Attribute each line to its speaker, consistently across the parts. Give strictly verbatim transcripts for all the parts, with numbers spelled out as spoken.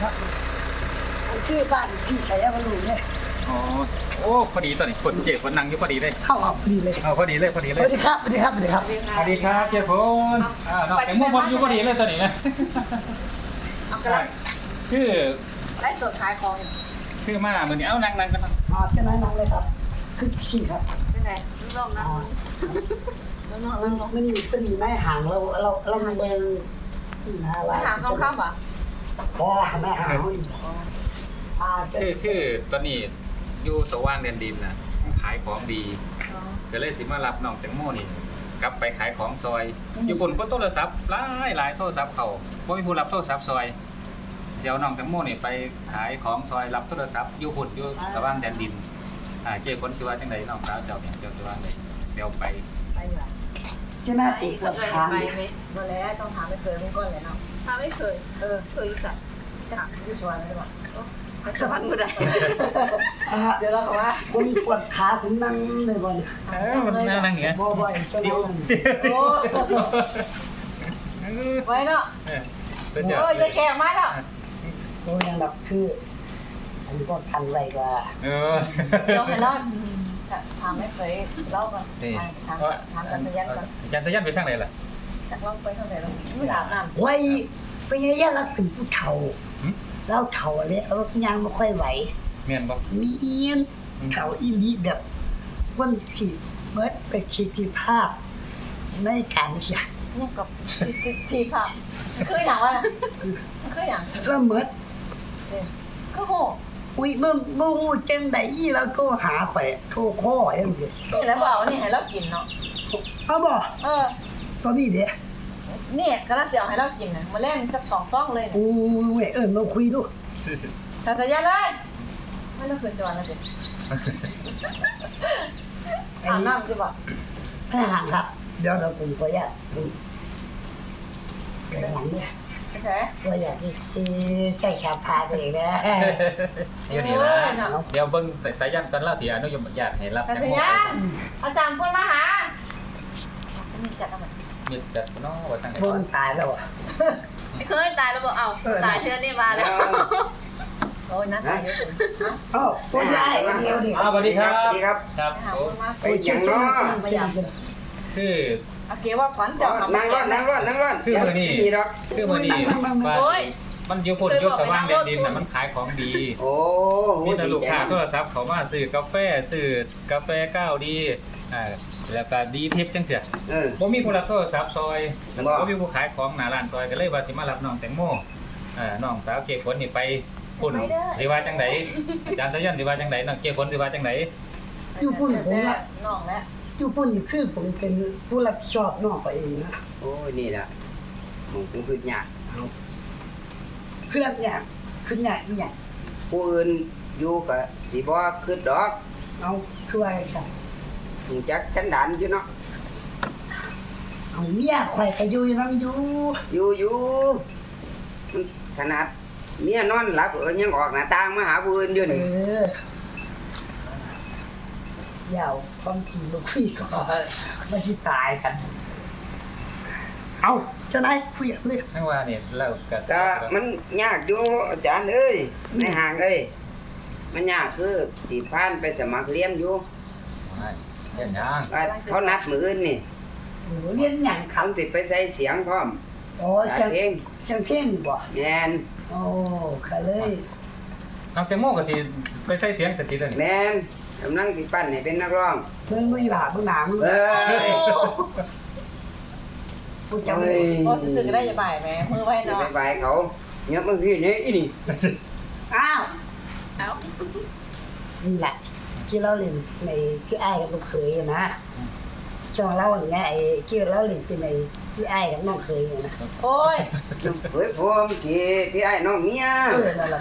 Speaker 1: ครับชื่อบ้านพี่ชัยบรรลุเนี่ย
Speaker 2: อ๋อโอ้พอดีตอนนี้ฝนเจ็บฝนนั่งอยู่พอดีเลย
Speaker 1: เข้าออกพอดีเลย
Speaker 2: เอาพอดีเลยพอดีเลย
Speaker 1: สวัสดีครับสวัสดีครับสวัสดีครับ
Speaker 2: สวัสดีครับเจ็บฝนอ่าน้องแตงโมพออยู่พอดีเลยตอนนี้นะ
Speaker 3: เอากระไร
Speaker 2: คือ
Speaker 3: ไล่สดขายของ
Speaker 2: คือมาเหมือนนี้เอ้านั่งนั่งกันนะ
Speaker 1: อ๋อเป็นไงน้องเลยครับคือขี่ครับ
Speaker 3: เป็นไงลูกน้องนะลูกน้องลูกน้อง
Speaker 1: ไม่ดีไม่ดีไม่ห่างเราเราเราเมืองสี่ห้าวัน
Speaker 3: ห่างค่ำๆป่ะ
Speaker 1: บ่ไม่ห่างอ่า
Speaker 2: คือคือตอนนี้อยู่สว่างแดนดินนะขายของดีก็เลยสิมารับน้องแตงโมนี่กลับไปขายของซอยอยู่บนก็โทรศัพท์หลายหลายโทรศัพท์เขาเพราะมีผู้รับโทรศัพท์ซอยเจ้าน้องแตงโมนี่ไปขายของซอยรับโทรศัพท์อยู่บนอยู่สว่างแดนดินอ่าเจ้าคนสิว่าจังไดน้องสาวเจ้าเนี่ยเจ้าสิว่าจังไดเดี๋ยวไป
Speaker 3: ไปอยู่อ่ะ
Speaker 1: จะน่าปวดปวดขา
Speaker 3: ไปไหมมาแล้วต้องถามไม่เคยไม่ก้อนเลยเนาะถามไม่เคยเออเคยสัตว์จะอยู่สวรรค์ได้ป่ะไปสวรรค์ไม่ได้เดี๋ยวเราบอกว่า
Speaker 1: คุณปวดขาคุณนั่งเลยบ่เนี่ย
Speaker 2: เออมันนั่งนั่งอย่างเงี้ย
Speaker 1: บ่อยๆ
Speaker 3: โอ้ไว้เนาะโอ้ยยายแขกมาแล้ว
Speaker 1: โอ้ยยังแบบคืออันนี้ก็ทันไรกว่า
Speaker 2: เออ
Speaker 3: เดี๋ยวให้รอดถามไม่เคยเล่าก่อนถามถามจันทยันก่อน
Speaker 2: จันทยันไปทางไหนล่ะ
Speaker 3: จากเล่าไปทางไหนเราไม่อาบน้ำ
Speaker 1: ไว้ไปยังยันรักถึงผู้เฒ่าแล้วเฒ่าอะไรเอายังไม่ค่อยไหว
Speaker 2: เมียนบอก
Speaker 1: มีเอียนเฒ่าอีลีแบบวันขีดเมื่อไปขีดที่ภาพในการเขียน
Speaker 3: เนี่ยกับทีทีภาพคืออย่างว่าคืออย่าง
Speaker 1: แล้วเมื่อ
Speaker 3: ก็โห
Speaker 1: อุ้ยเมื่อเมื่อจังไดแล้วก็หาแขวะโทรข้อยังไง
Speaker 3: นี่แล้วบอกว่านี่ให้เรากินเนาะ
Speaker 1: เอาบ่
Speaker 3: เออ
Speaker 1: ตอนนี้เดี๋ยว
Speaker 3: นี่กระเสียวให้เรากินนะมาเล่นสักสองซองเลย
Speaker 1: โอ้ยเออมาคุยดู
Speaker 3: ถ้าสัญญาเลยไม่ต้องคืนจวนแล้วสิถามน้ำจะบอก
Speaker 1: ถ้าห่างครับเดี๋ยวเราคุยก็ยากเดี๋ยวหลังเนี่ยก็อยากที่ใช้ชาพาไปเลยนะ
Speaker 2: เดี๋ยวนี้นะเดี๋ยวเบิ้งสายันกันเล่าที่อนุยมญาติให้รับ
Speaker 3: สายันอาจารย์พูดมาหามีจัดอะไร
Speaker 2: มีจัดน้องว่าทางไหน
Speaker 1: พูดตายแล้วอ่ะ
Speaker 3: ไม่เคยตายแล้วบอกเอาตายเทือนนี่มาแล้วโอ้ยน่าตายเยอะสุด
Speaker 1: อ๋อพูดได้เดียวดิ
Speaker 2: สวัสดีครับ
Speaker 4: สวัสดีครับ
Speaker 2: ครับ
Speaker 4: ไปอย่างน้อ
Speaker 2: คือ
Speaker 3: โอเคว่าขวัญจับ
Speaker 4: นั่งรอดนั่งรอดนั่งรอด
Speaker 2: คือมือนี่คือมือนี่มันยุคนยุสว่างแดนดินน่ะมันขายของดี
Speaker 4: โอ้
Speaker 2: มีแต่ลูกค้าโทรศัพท์เขามาซื้อกาแฟซื้อกาแฟเก้าดีอ่าแล้วก็ดีทิปจังเสียผมมีผู้รับโทรศัพท์ซอยแล้วก็มีผู้ขายของหน้าร้านซอยก็เลยว่าสิมารับน้องแตงโมอ่าน้องสาวเก็บผลนี่ไปพุ่นสิว่าจังไดอาจารย์ทยันสิว่าจังไดน้องเก็บผลสิว่าจังได
Speaker 1: อยู่พุ่นผมละ
Speaker 3: น้องแล้ว
Speaker 1: อยู่พุ่นนี่คือผมเป็นผู้รับผิดชอบน้องเขาเองนะ
Speaker 4: โอ้ยนี่แหละมึงคงคือยาก
Speaker 1: คือรับยากคือยากอีหยัง
Speaker 4: ผู้อื่นอยู่ก็สิบ่คือดอก
Speaker 1: เอาคือว่าจัง
Speaker 4: รู้จักสันดานอยู่เนาะ
Speaker 1: เอาเมียข่อยก็อยู่นำอยู่
Speaker 4: อยู่อยู่ขนาดเมียนอนหลับเออยังออกหน้าต่างมาหาผู้อื่นอยู่นี่
Speaker 1: เออยาวความจริงมาคุยก่อนไม่ที่ตายกันเอาจะไหนคุยเลย
Speaker 2: ไม่ว่าเนี่ยเรา
Speaker 4: ก็มันยากอยู่อาจารย์เอ้ยในห่างเอ้ยมันยากคือสีพานไปสมัครเรียนอยู่
Speaker 2: เรียนยัง
Speaker 4: เขานัดมืออื่นนี่
Speaker 1: เรียนยัง
Speaker 4: เขาติดไปใส่เสียงพร้อม
Speaker 1: โอ้เสียงเพลงเสียงเพลงบ่
Speaker 4: แน่น
Speaker 1: โอ้ค่ะเลย
Speaker 2: น้องแตงโมก็สิไปใส่เสียงสติตัวนี้
Speaker 4: แน่นกำลังติปั้นให้เป็นนักร้อง
Speaker 1: เพิ่งลุยหลาเพิ่งหนามึง
Speaker 4: เอ้ย
Speaker 1: พูดจำเลย
Speaker 3: โอ้จะซื้อก็ได้จะบ่ายไหมมือไว้เนาะ
Speaker 4: บ่ายเขาเงียบมันพี่นี่อีนี่
Speaker 1: อ้าว
Speaker 3: เอ้า
Speaker 1: นี่แหละที่เราเล่นในคืออ้ายกับลูกเขยนะช่องเราอย่างเงี้ยไอ้ที่เราเล่นเป็นในพี่อ้ายกับน้องเขยนะ
Speaker 3: โอ้ย
Speaker 4: เฮ้ยผมที่พี่อ้ายน้องเมีย
Speaker 1: เออนั่นแหละ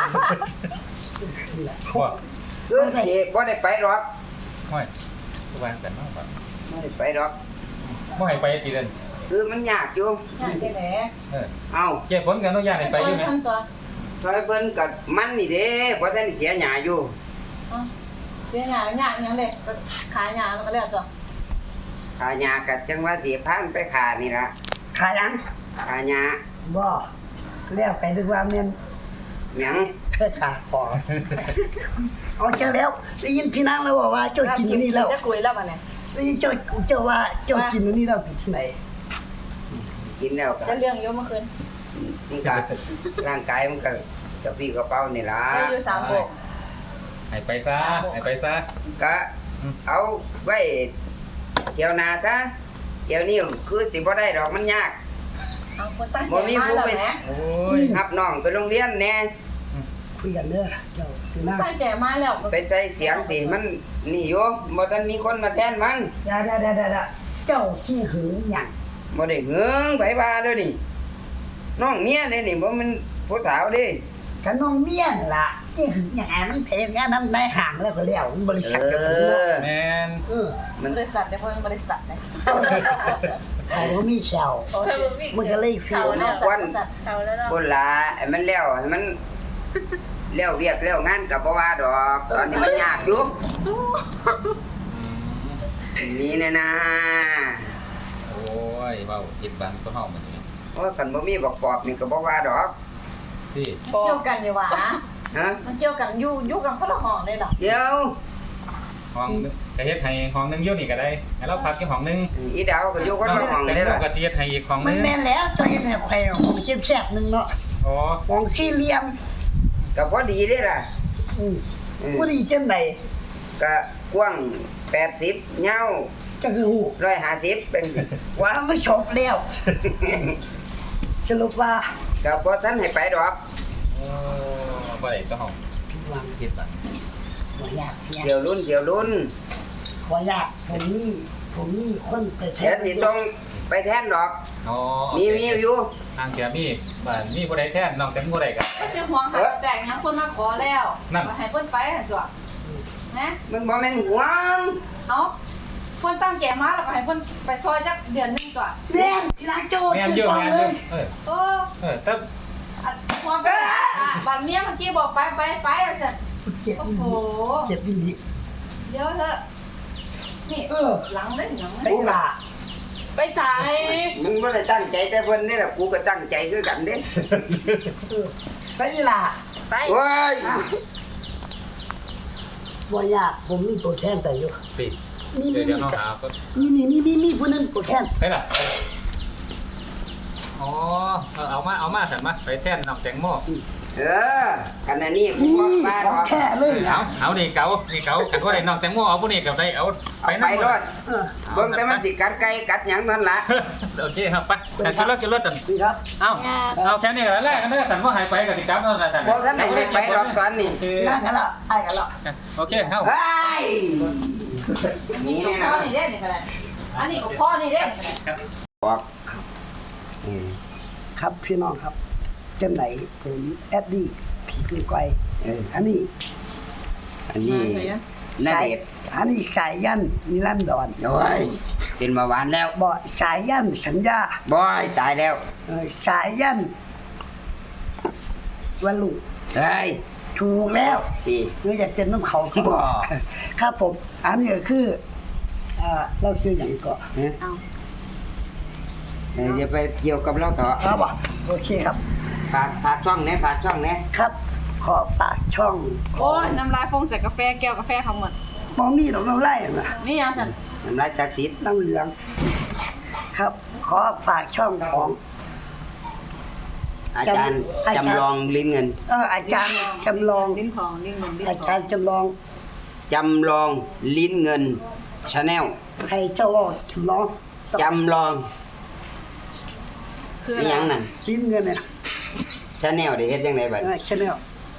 Speaker 4: นี่แหละเออที่บ่ได้ไปหรอก
Speaker 2: ไม่ตัวางกันมากกว่า
Speaker 4: บ่ได้ไปหรอก
Speaker 2: บ่ให้ไปกี่เดือน
Speaker 4: คือมันยากอยู่
Speaker 3: ยากแค่ไหน
Speaker 2: เออ
Speaker 4: เอา
Speaker 2: เก็บผลกันต้องยากให้ไปอยู่ไหม
Speaker 4: ซอยเพิ่นกับมันนี่เด้เพราะท่านเสียหญ้าอยู่
Speaker 3: เสียหญ้าหญ้าอย่างเด็กขายหญ้าแล้วก็เรียกตัว
Speaker 4: ขายหญ้ากับจังหวัดสีพานไปขานี่ละ
Speaker 1: ขายยัง
Speaker 4: ขายหญ้า
Speaker 1: บ่เรียกไปดึกว่าเมียน
Speaker 4: หยัง
Speaker 1: แค่ขาคอเอาเจอแล้วได้ยินพี่นางแล้วบอกว่าเจ้ากินอันนี้แล้ว
Speaker 3: จะคุยแล้วมันเนี่ย
Speaker 1: ได้ยินเจ้าเจ้าว่าเจ้ากินอันนี้แล้วเป็นที่ไหน
Speaker 4: กินแล้วก็
Speaker 3: จะเรื่องเยอะเมื่อคืน
Speaker 4: มันก็ร่างกายมันก็กระปี้กระเป๋านี่ล่ะ
Speaker 3: ได้อยู่สามโบก
Speaker 2: ให้ไปซะให้ไปซะ
Speaker 4: ก็เอาไว้เที่ยวหน้าซะเที่ยวนี้คือสิบ่ได้ดอกมันยาก
Speaker 3: เอาคนตั้งใจ
Speaker 4: บ่มี
Speaker 3: มา
Speaker 4: ผู้
Speaker 3: แล้ว
Speaker 4: ไป
Speaker 3: แหม
Speaker 2: โอ้ย
Speaker 4: รับน้องไปโรงเรียนแหน่
Speaker 1: คุยกันเด้อเจ้าพี่นาง
Speaker 3: ตั้งใจมาแล้ว
Speaker 4: ไปใส่เสียงสิมันนี่อยู่บ่ทันมีคนมาแทนมัน
Speaker 1: อย่าๆๆๆเจ้าขี้หึงหยัง
Speaker 4: บ่ได้เหืองไผว่าเด้อนี่น้องเมียเด้นี่บ่แมันผู้สาวเด้
Speaker 1: กันน้องเมียนล่ะขี้หึงหยังมันเพลงงานนำในห้างแล้วก็แล้วบริ
Speaker 4: เอ
Speaker 1: ษัทกับผมเนาะ
Speaker 4: อ
Speaker 2: แมน
Speaker 1: เออ
Speaker 3: มันบริษัทได้เพราะมันบริษัทนะ
Speaker 1: เขาบ่มีแชวมันก็เลยฟิว
Speaker 3: เขาแล้ว
Speaker 4: วัน
Speaker 3: บริษัทเขาแล้วเนาะ
Speaker 4: พุ่นล่ะให้มันแล้วให้มันแล้วเวียกแล้วงานก็บ่ว่าดอกตอนนี้มันยากอยู่นี่แน่นะ
Speaker 2: โอ้ยเว้าผิดบังก็เฮามันนี่
Speaker 4: โอ้ยคันบ่มีบักปอบนี่ก็บ่ว่าดอก
Speaker 2: พี่
Speaker 3: เกี่ยวกันดีกว่า
Speaker 4: ฮะ
Speaker 3: มันเกี่ยวกันอยู่อยู่กันคนละห้องเลยเหรอ
Speaker 4: เดี๋ยว
Speaker 2: ห้องก็เฮ็ดให้ห้องหนึงอยู่นี่ก็ได้ให้เราพักที่ห้องหนึง
Speaker 4: อีดาวก็อยู่คนละห้อง
Speaker 2: แต่
Speaker 4: เด้
Speaker 2: เรา
Speaker 4: ล่ะ
Speaker 2: ก็สิเฮ็ดให้อีกห้องห
Speaker 1: มั
Speaker 2: นึ
Speaker 1: น
Speaker 2: ง
Speaker 1: แม่นแล้วเจ้าเฮ็ดให้ข่อยของแซ่บๆนึงเนาะ
Speaker 2: อ๋อ
Speaker 1: ของสี่เหลี่ยม
Speaker 4: ก็พอดีเด้ล่ะ
Speaker 1: อืม
Speaker 4: อืม
Speaker 1: บ่ดีจังได๋
Speaker 4: ก็กว้างแปดสิบยาว
Speaker 1: จังคือฮู้
Speaker 4: หนึ่งร้อยห้าสิบเป็นสิ
Speaker 1: ว่ามันจบแล้วสรุปว่า
Speaker 4: ก็บ่ทันให้ไปดอก
Speaker 2: โอ้บ่ได้ต้องห้อง
Speaker 1: ผิดหวัง
Speaker 2: ผิดบัง
Speaker 1: บ่ยากยาก
Speaker 4: เดี๋ยวรุ่นเดี๋ยวรุ่น
Speaker 1: บ่ยากผมนี่ผมนี่คนไปแท
Speaker 4: เดี๋ยวน สิต้องไปแทนดอก
Speaker 2: อ๋อ
Speaker 4: มีมีอยู่
Speaker 2: ทางเสียมีบ้านมีผู้ใดแทนน้องแต่ผู้ใดก็
Speaker 3: ไม่ใช่ห่วงค่ะแต่งยังคนมาขอแล้ว
Speaker 2: นั่น
Speaker 3: มาให้เพิ่นไปหั่นจ้ะนะ
Speaker 4: มันบ่แม่นหวง
Speaker 3: เอาเพิ่นตั้งใจมาแล้วก็ให้เพิ่นไปซอยจักเดือนหนึงจ้ะ
Speaker 1: แม่นพี่นางโจ
Speaker 2: แม่น
Speaker 1: ขึ้น
Speaker 2: เยอะ
Speaker 1: ก่อน
Speaker 2: แม่น
Speaker 1: เล
Speaker 2: เยอะ
Speaker 1: ย
Speaker 2: เออ
Speaker 3: เออ
Speaker 2: เออแต่
Speaker 3: อันความไปอ่ะบัดเมียเมื่อกี้บอกไปไปไปเอาเสร็จ
Speaker 1: เจ็บ
Speaker 3: โอ้
Speaker 1: อี
Speaker 3: โห
Speaker 1: หลีเจ็บอีหลี
Speaker 3: เดี๋ยวเถอะนี่
Speaker 1: เออ
Speaker 3: หลังเล่นหยัง
Speaker 1: ไปล่ะ
Speaker 3: ไปสาย
Speaker 4: มึงบ่ได้ตั้งใจแต่เพิ่นนี่ล่ะกูก็ตั้งใจคือกันเด้
Speaker 1: เออไปล่ะ
Speaker 3: ไป
Speaker 4: โอ้ย
Speaker 1: บ่ยากผมมีตัวแทนไปอยู่
Speaker 2: ปิด
Speaker 1: นี่
Speaker 2: เดี๋
Speaker 1: นี่
Speaker 2: ยวเดี๋ยว
Speaker 1: นี่
Speaker 2: น้องหาก็
Speaker 1: นี่นี่นี่นี่นี่ผู้นั้นตัวแทน
Speaker 2: ไปล่ะอ๋อเอาเอามาเอามาสั่นมาไปแทนน้องแตงโม
Speaker 4: เออขณะนี้กู
Speaker 1: นี่
Speaker 4: บ่มา
Speaker 1: ข
Speaker 4: ด
Speaker 1: อ
Speaker 4: อง ก
Speaker 1: แท้เลย
Speaker 2: เอา
Speaker 1: อ่ะ
Speaker 2: เอานี่เก๋านี่เก๋ากันว่าได้น้องแตงโมเอาผู้นี้กับได้เอา
Speaker 4: เอา
Speaker 2: นั่
Speaker 4: ไป
Speaker 2: ง
Speaker 4: รถ
Speaker 1: เออ
Speaker 4: เบิ่งแต่มันสิกัดไก่กัดหยังนั่นล่ะ
Speaker 2: โอเคครับไปแต่ขึ้นรถขึ้นรถกัน
Speaker 1: นี่ครับ
Speaker 2: เอาเอาแค่นี้กันแรกกันเด้อสั่นว่าหายไปกับติดจับเอาสั่นสั่น
Speaker 4: บ่ทันได้ให้ไปดอกตอนนี้
Speaker 2: โอเค
Speaker 1: นั่งกันละไอ้กันละ
Speaker 2: โอเคเอา
Speaker 4: เฮ้ยนี่
Speaker 3: นี่
Speaker 4: แน่
Speaker 3: พ่อ
Speaker 4: นะ
Speaker 3: นี่เด้นี่ก็ได้อันนี้ก็พ่อนี่เด้
Speaker 4: บอกอืม
Speaker 1: ครับพี่น้องครับจังไหนผมแอดดี้ผีปืนไกว
Speaker 4: เออ
Speaker 1: อันนี้
Speaker 4: อันนี้นาเดชน์
Speaker 1: อันนี้สายยันนิรันดร
Speaker 4: โอ้ยเป็นเบาหวานแล้ว
Speaker 1: บ่สายยันสัญญา
Speaker 4: บอยตายแล้ว
Speaker 1: เออสายยันวันลุง
Speaker 4: เฮ้ย
Speaker 1: ถูกแล้ว
Speaker 4: ดี
Speaker 1: เนื่ออยากเป็นน้ำเขา
Speaker 4: บ่
Speaker 1: ครับผม อันนี้ก็คืออ่าเราชื่ออย่างก็
Speaker 4: ฮะ
Speaker 3: เอา
Speaker 4: เอออย่าไปเกี่ยวกับเราเถอะ
Speaker 1: ครับบ่โอเคครับ
Speaker 4: ฝากฝากช่องแหน่ฝากช่องแหน่
Speaker 1: ครับ ขอฝากช่องข
Speaker 3: โอ้
Speaker 1: อย
Speaker 3: น้ำลายฟงใส่กาแฟแก้วกาแฟเขาหมด
Speaker 1: มองมีดอกน้ำไล่นะ
Speaker 3: นี่ยังสั่น
Speaker 4: น้ำลายศักดิ์สิทธิ์
Speaker 1: น้ำเหลือง ครับ ขอฝากช่องของ
Speaker 4: อาจารย์
Speaker 1: อาจารย์
Speaker 4: จำลองลิ้นเงิน
Speaker 1: เอออาจารย์จำลอง
Speaker 3: ลิ้นของลิ้นเหมือนลิ้น
Speaker 1: อา
Speaker 3: ขอ
Speaker 1: จาง รย์จำลอง
Speaker 4: จำลองลิ้นเงินชาแนล
Speaker 1: ใครเจ้าว่าจำลอง
Speaker 4: จำลอง
Speaker 3: คือ
Speaker 4: นี่ยังนั่น
Speaker 1: ลิ้นเงินเนี่ย
Speaker 4: ชาแนลได้เฮ็ดจังไดบัด
Speaker 1: ชแนล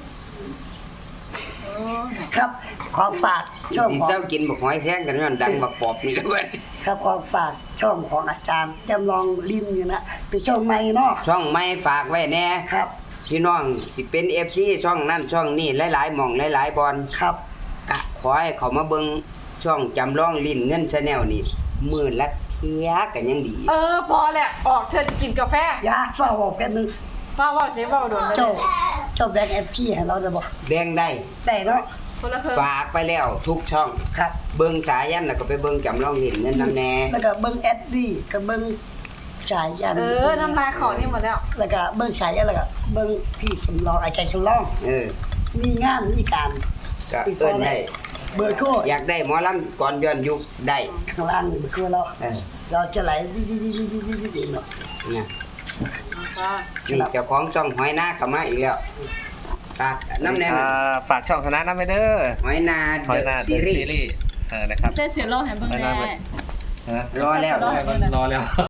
Speaker 1: ครับ ขอฝากช่อง
Speaker 4: สิ
Speaker 1: ของ
Speaker 4: เซากินบักหอยแพงกันย้อนดังบักปอบนี่เบิด
Speaker 1: ครับขอฝากช่องของอาจารย์จำลองลิ้นเงินนะเป็นช่องใหม่เนาะ
Speaker 4: ช่องไม่ฝากไว้แน่
Speaker 1: ครับ
Speaker 4: พี่น้องสิเป็น เอฟ ซี ช่องนั่นช่องนี่หลายๆหม่องหลายๆบอล
Speaker 1: ครับ
Speaker 4: กะขอให้เขามาเบิ่งช่องจำลองลิ้นเงินชาแนลนี่มื้อละเที่ยกันยังดี
Speaker 3: เออพอแหละออกเธอจะกินกาแฟ
Speaker 1: อยาฝ้าบอกแป๊บนึง
Speaker 3: ฟ้าว่าเสียว่าโดนเลย
Speaker 1: เจ้าเจ้าแบงค์เอฟพีให้เราได้บ่
Speaker 4: แบ่งได้
Speaker 1: ได้เนาะ
Speaker 3: คนละเครื่อง
Speaker 4: ฝากไปแล้วทุกช่อง
Speaker 1: ครับ
Speaker 4: เบิ่งสายันแล้วก็ไปเบิ่งจำลองลิ้นเงินนำแน่
Speaker 1: แล้วก็เบิ่งแอดดี้ก็เบิ่งชายยัน
Speaker 3: เออทำลายของนี่หมดแล้ว
Speaker 1: แล้วก็เบิ่งชายยันแล้วก็เบิ่งพี่สำรองไอ้ใจสำรอง
Speaker 4: เออ
Speaker 1: มีงานมีการ
Speaker 4: ก็เอิ้นได้
Speaker 1: เบอร์โทร
Speaker 4: อยากได้หมอลำก่อนย้อนยุคได้
Speaker 1: ข้างล่างนี่เบอร์โทรเรา
Speaker 4: เออ
Speaker 1: เราจะไหลดิๆๆๆๆเนาะ
Speaker 4: เนี่ย
Speaker 3: ค่ะ
Speaker 4: นี่เจ้าของช่องหอยนาก็มาอีกแล้วฝากน้ำแน่น
Speaker 5: อ่าฝากช่องคณะน้ำไปเด้อ
Speaker 4: หอยนา
Speaker 5: หอยนา
Speaker 4: เดอะ
Speaker 5: เด
Speaker 4: ซี
Speaker 5: อะ
Speaker 4: รี
Speaker 5: ซี
Speaker 4: ส์
Speaker 5: รีส์เออนะครับ
Speaker 3: เส้นเสียโลแฮมเบอร์
Speaker 5: หอย
Speaker 3: แน่
Speaker 5: นาไปฮะ
Speaker 4: รอแล้ว
Speaker 5: รอแล้ว